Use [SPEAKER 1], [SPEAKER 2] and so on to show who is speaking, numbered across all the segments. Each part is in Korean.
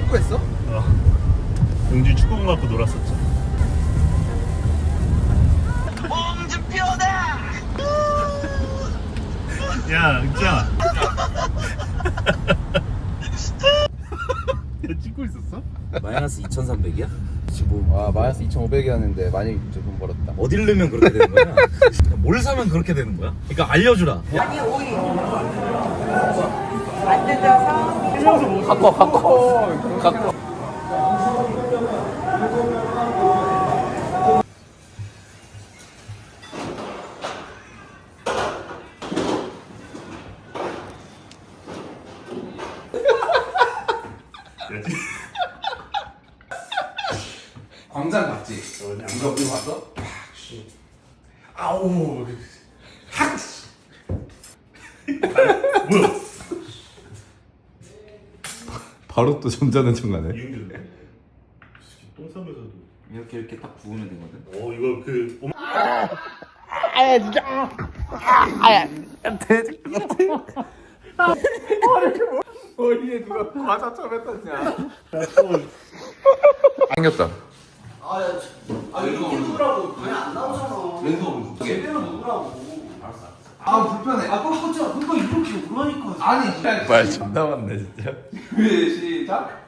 [SPEAKER 1] 축구했어?
[SPEAKER 2] 용준 축구공 갖고 놀았었죠.
[SPEAKER 3] 홍준표다.
[SPEAKER 2] 야, 은지야. 야, 찍고 있었어?
[SPEAKER 4] 마이너스 2,300이야?
[SPEAKER 1] 아 마이너스 2,500이었는데 많이 좀 벌었다.
[SPEAKER 4] 어딜 넣으면 그렇게 되는 거야? 뭘 사면 그렇게 되는 거야? 그러니까 알려주라.
[SPEAKER 5] 아니 오이 안 뜯어서
[SPEAKER 1] 갖고 광장 맞지? 이거 봤어? 아우
[SPEAKER 2] 뭐야?
[SPEAKER 1] 바로 또 전자는총 가네.
[SPEAKER 2] 이용준. 똥 싸면서도.
[SPEAKER 4] 이렇게 딱 부으면 되거든.
[SPEAKER 2] 이거 그.
[SPEAKER 1] 머리에 누가 과자 쳐뱉었냐? 생겼다. 아 불편해.
[SPEAKER 3] 그거 이렇게 오라니까.
[SPEAKER 1] 아니 말 존나 많네 진짜. 왜 시작?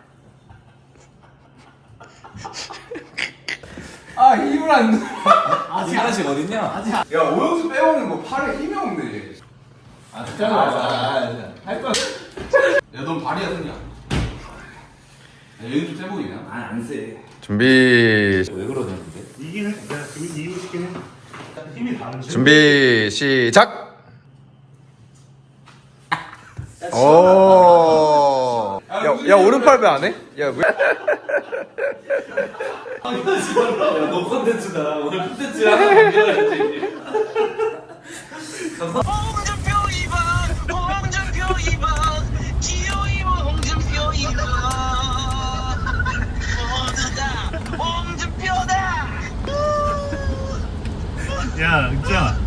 [SPEAKER 1] 아 힘을 안 줘.
[SPEAKER 4] 아직 하나씩 어딨냐?
[SPEAKER 1] 야 오영수 빼먹는 거 팔에 힘이 없네. 아 진짜 할 거야. 야넌 발이야 그냥. 얘는 좀 세보이냐?
[SPEAKER 4] 아니 안 세.
[SPEAKER 1] 준비
[SPEAKER 4] 왜 그러냐 근데?
[SPEAKER 2] 이긴 해. 내가 지금 이기고 싶긴 해. 힘이 다르지.
[SPEAKER 1] 준비 시작. 오. 야 오른팔 왜 안 해? 야 왜?
[SPEAKER 4] 야너 컨텐츠다. 오늘 컨텐츠야. 만들어야지.
[SPEAKER 3] 홍준표 2번, 홍준표 2번, 기호이모 홍준표 2번. 모두 다 홍준표다.
[SPEAKER 2] 야, 은지야.